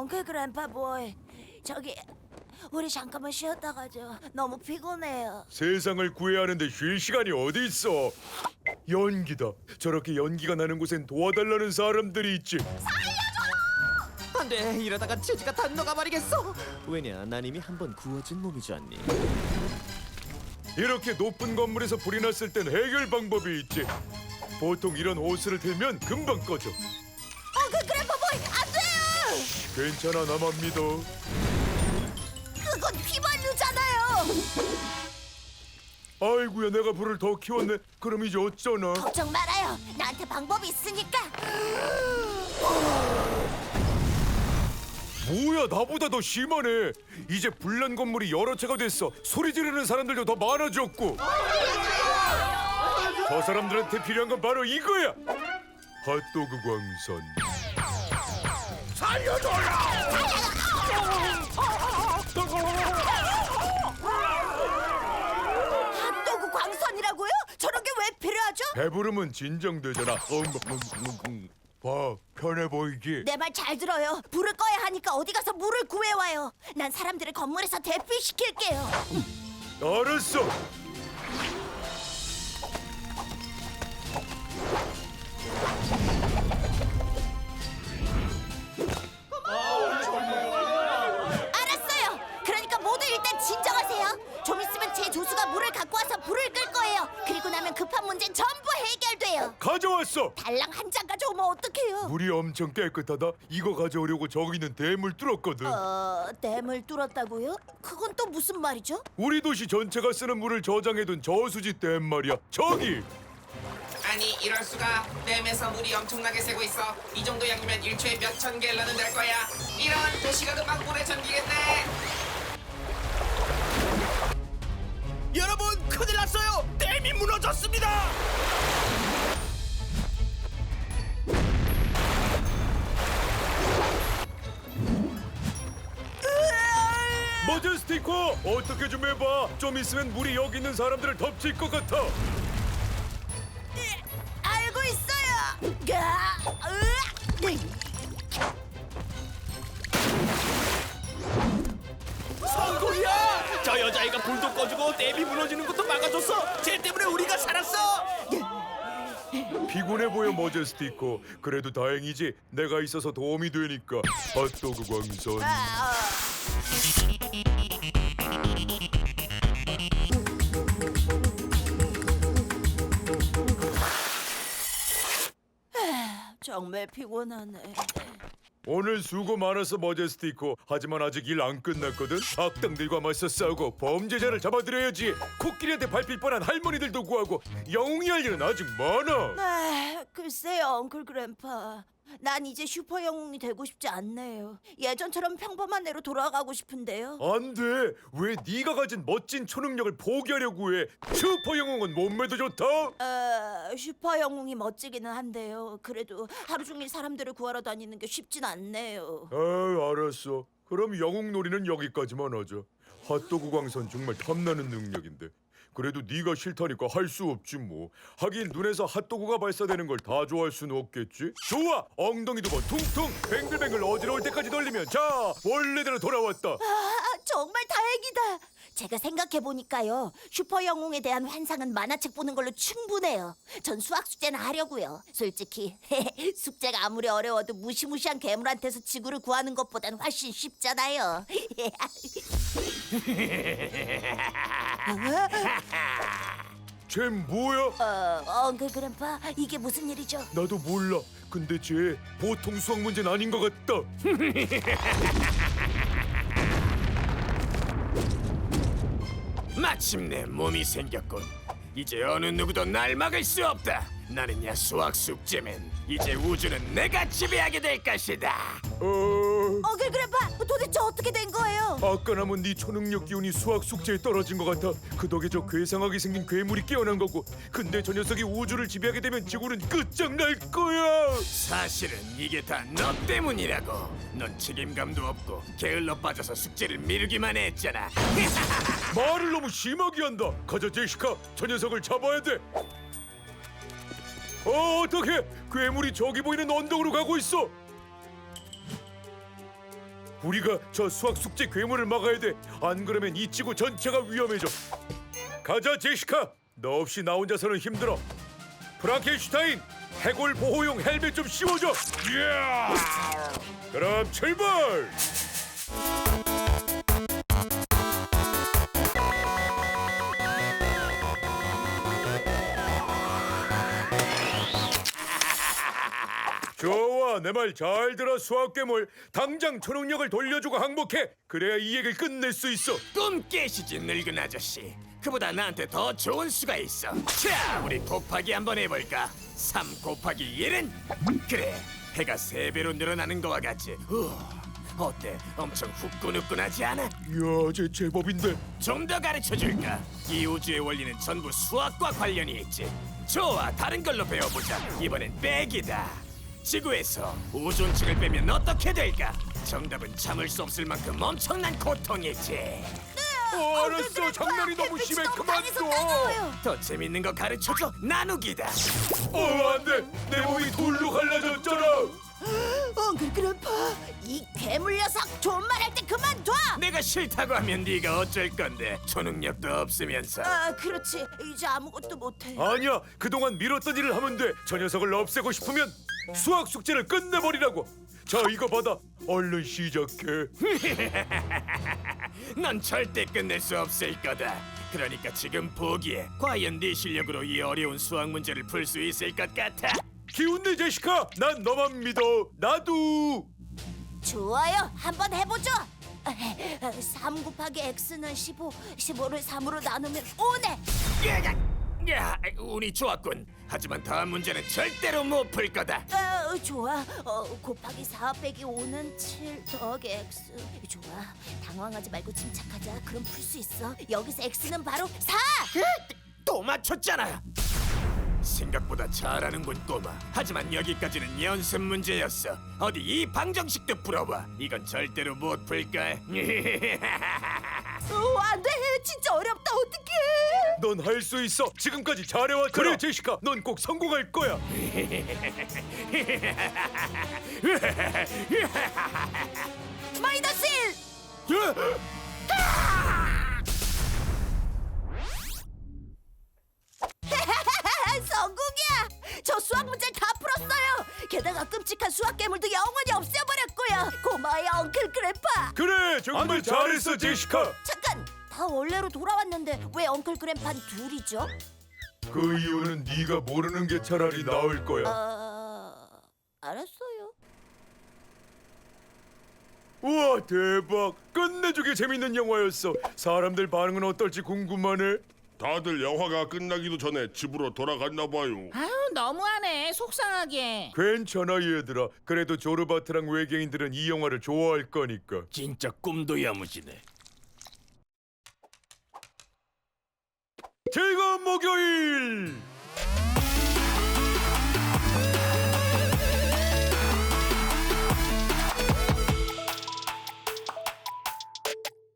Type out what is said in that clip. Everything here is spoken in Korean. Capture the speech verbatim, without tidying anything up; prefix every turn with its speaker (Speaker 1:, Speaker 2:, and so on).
Speaker 1: 엉클 그랜파 보이, 저기 우리 잠깐만 쉬었다 가죠. 너무 피곤해요.
Speaker 2: 세상을 구해야 하는데 쉴 시간이 어디 있어? 연기다. 저렇게 연기가 나는 곳엔 도와달라는 사람들이 있지.
Speaker 3: 안돼, 이러다가 치즈가 다 녹아버리겠어. 왜냐, 난 이미 한 번 구워진 몸이지 않니?
Speaker 2: 이렇게 높은 건물에서 불이 났을 땐 해결 방법이 있지. 보통 이런 호스를 틀면 금방 꺼져.
Speaker 1: 엉클 그랜파 보이, 안 돼요.
Speaker 2: 괜찮아, 나만 믿어.
Speaker 1: 그건 휘발유잖아요.
Speaker 2: 아이고야, 내가 불을 더 키웠네. 그럼 이제 어쩌나?
Speaker 1: 걱정 말아요. 나한테 방법이 있으니까.
Speaker 2: 뭐야, 나보다 더 심하네. 이제 불난 건물이 여러 채가 됐어. 소리 지르는 사람들도 더 많아졌고. 저 사람들한테 필요한 건 바로 이거야. 핫도그 광선.
Speaker 1: 핫도그 광선이라고요? 저런 게 왜 필요하죠?
Speaker 2: 배부르면 진정되잖아. 음, 음, 음, 음. 봐, 편해 보이지?
Speaker 1: 내 말 잘 들어요. 불을 꺼야 하니까 어디 가서 물을 구해와요. 난 사람들을 건물에서 대피시킬게요.
Speaker 2: 알았어.
Speaker 1: 알았어요. 그러니까 모두 일단 진정하세요. 좀 있으면 제 조수가 물을 갖고 와서 불을 끌 거예요. 그리고 나면 급한 문제는 전부 해결돼요.
Speaker 2: 가져왔어.
Speaker 1: 달랑 한 장 가져오면 어떡해요?
Speaker 2: 물이 엄청 깨끗하다. 이거 가져오려고 저기 있는 댐을 뚫었거든.
Speaker 1: 어, 댐을 뚫었다고요? 그건 또 무슨 말이죠?
Speaker 2: 우리 도시 전체가 쓰는 물을 저장해둔 저수지 댐 말이야. 저기.
Speaker 4: 아니 이럴 수가. 댐에서 물이 엄청나게 새고 있어. 이 정도 양이면 일 초에 몇 천 갤런은 될 거야. 이런 도시가 금방 물에 잠기겠네.
Speaker 3: 여러분, 큰일 났어요. 댐이 무너졌습니다.
Speaker 2: 머저스티커, 어떻게 좀 해봐. 좀 있으면 물이 여기 있는 사람들을 덮칠 것 같아.
Speaker 1: 알고 있어요. 가, 으악! 으이.
Speaker 3: 성공이야! 저 여자애가 불도 꺼주고 댐이 무너지는 것도 막아줬어. 쟤 때문에 우리가 살았어.
Speaker 2: 피곤해 보여, 머저스티커. 그래도 다행이지. 내가 있어서 도움이 되니까. 핫도그 광선.
Speaker 1: 아, 어. 정말 피곤하네.
Speaker 2: 오늘 수고 많았어, 머저스티커. 하지만 아직 일 안 끝났거든. 악당들과 맞서 싸우고 범죄자를 잡아들여야지. 코끼리한테 밟힐 뻔한 할머니들도 구하고 영웅이 할 일은 아직 많아.
Speaker 1: 아, 글쎄요, 엉클 그랜파. 난 이제 슈퍼 영웅이 되고 싶지 않네요. 예전처럼 평범한 애로 돌아가고 싶은데요.
Speaker 2: 안 돼. 왜 네가 가진 멋진 초능력을 포기하려고 해? 슈퍼 영웅은 몸매도 좋다.
Speaker 1: 어, 슈퍼 영웅이 멋지기는 한데요. 그래도 하루 종일 사람들을 구하러 다니는 게 쉽진 않네요.
Speaker 2: 아, 알았어. 그럼 영웅 놀이는 여기까지만 하자. 핫도그 광선 정말 탐나는 능력인데. 그래도 네가 싫다니까 할 수 없지 뭐. 하긴 눈에서 핫도그가 발사되는 걸 다 좋아할 수는 없겠지. 좋아. 엉덩이 두 번 퉁퉁 뱅글뱅글 어지러울 때까지 돌리면 자, 원래대로 돌아왔다.
Speaker 1: 아, 정말 다행이다. 제가 생각해 보니까요, 슈퍼 영웅에 대한 환상은 만화책 보는 걸로 충분해요. 전 수학 숙제는 하려고요. 솔직히 숙제가 아무리 어려워도 무시무시한 괴물한테서 지구를 구하는 것보단 훨씬 쉽잖아요.
Speaker 2: 쟤 뭐야?
Speaker 1: 어, 엉클 그랜파, 이게 무슨 일이죠?
Speaker 2: 나도 몰라. 근데 쟤 보통 수학 문제는 아닌 것 같다.
Speaker 5: 마침내 몸이 생겼군. 이제 어느 누구도 날 막을 수 없다. 나는야 수학 숙제맨. 이제 우주는 내가 지배하게 될 것이다.
Speaker 2: 어...
Speaker 1: 엉클 그랜파, 도대체 어떻게 된 거예요?
Speaker 2: 아까 남은 네 초능력 기운이 수학 숙제에 떨어진 것 같아. 그 덕에 저 괴상하게 생긴 괴물이 깨어난 거고. 근데 저 녀석이 우주를 지배하게 되면 지구는 끝장날 거야.
Speaker 5: 사실은 이게 다 너 때문이라고. 넌 책임감도 없고 게을러 빠져서 숙제를 미루기만 했잖아.
Speaker 2: 말을 너무 심하게 한다. 가자, 제시카. 저 녀석을 잡아야 돼. 어, 어떡해. 괴물이 저기 보이는 언덕으로 가고 있어. 우리가 저 수학 숙제 괴물을 막아야 돼. 안 그러면 이 지구 전체가 위험해져. 가자 제시카. 너 없이 나 혼자서는 힘들어. 프랑켄슈타인, 해골 보호용 헬멧 좀 씌워줘. 이야! 그럼 출발. 좋아, 내 말 잘 들어 수학 괴물. 당장 초능력을 돌려주고 항복해. 그래야 이 얘기를 끝낼 수 있어.
Speaker 5: 꿈 깨시지 늙은 아저씨. 그보다 나한테 더 좋은 수가 있어. 자, 우리 곱하기 한번 해볼까? 삼 곱하기 일은? 그래, 해가 세 배로 늘어나는 거와 같지. 우와, 어때? 엄청 후끈후끈하지 않아?
Speaker 2: 이야, 쟤 제법인데.
Speaker 5: 좀 더 가르쳐줄까? 이 우주의 원리는 전부 수학과 관련이 있지. 좋아, 다른 걸로 배워보자. 이번엔 빼기다. 지구에서 오존층을 빼면 어떻게 될까? 정답은 참을 수 없을 만큼 엄청난 고통이지.
Speaker 2: 어, 알았어. 장난이 너무 심해. 그만둬.
Speaker 5: 더 재밌는 거 가르쳐줘. 나누기다.
Speaker 2: 어, 안 돼. 내 몸이 돌로 갈라졌잖아.
Speaker 1: 엉클 그래파, 이 괴물 녀석 존말할 때 그만둬.
Speaker 5: 내가 싫다고 하면 네가 어쩔 건데. 초능력도 없으면서.
Speaker 1: 아, 그렇지. 이제 아무것도 못해.
Speaker 2: 아니야. 그동안 미뤘던 일을 하면 돼. 저 녀석을 없애고 싶으면 수학 숙제를 끝내버리라고. 자, 이거 받아. 얼른 시작해.
Speaker 5: 넌 절대 끝낼 수 없을 거다. 그러니까 지금 보기에 과연 네 실력으로 이 어려운 수학 문제를 풀 수 있을 것 같아?
Speaker 2: 기운내 제시카. 난 너만 믿어. 나도.
Speaker 1: 좋아요. 한번 해보죠. 삼 곱하기 x는 십오, 십오를 삼으로 나누면 오네.
Speaker 5: 야, 야, 운이 좋았군. 하지만 다음 문제는 절대로 못 풀 거다.
Speaker 1: 어, 좋아. 어, 곱하기 사 빼기 오는 칠 더하기 x. 좋아. 당황하지 말고 침착하자. 그럼 풀 수 있어. 여기서 x는 바로 사.
Speaker 5: 또 맞췄잖아. 생각보다 잘하는군 꼬마. 하지만 여기까지는 연습 문제였어. 어디 이 방정식도 풀어봐. 이건 절대로 못 풀걸.
Speaker 1: 어, 안 돼. 진짜 어렵다. 어떡해.
Speaker 2: 넌 할 수 있어. 지금까지 잘해왔잖아. 그래 제시카. 넌 꼭 성공할 거야.
Speaker 1: 마이너스 일. 성공이야. 저 수학 문제 다 풀었어요. 게다가 끔찍한 수학 괴물도 영원히 없애버렸고요. 고마워요, 엉클 그래파.
Speaker 2: 그래, 정말 잘했어 제시카.
Speaker 1: 잠깐, 다 원래로 돌아왔는데 왜 엉클 그래파는 둘이죠?
Speaker 2: 그 이유는 네가 모르는 게 차라리 나을 거야.
Speaker 1: 아, 알았어요.
Speaker 2: 우와, 대박. 끝내주게 재밌는 영화였어. 사람들 반응은 어떨지 궁금하네.
Speaker 6: 다들 영화가 끝나기도 전에 집으로 돌아갔나 봐요.
Speaker 7: 아유 너무하네 속상하게.
Speaker 2: 괜찮아 얘들아. 그래도 조르바트랑 외계인들은 이 영화를 좋아할 거니까.
Speaker 3: 진짜 꿈도 야무지네.
Speaker 2: 즐거운 목요일.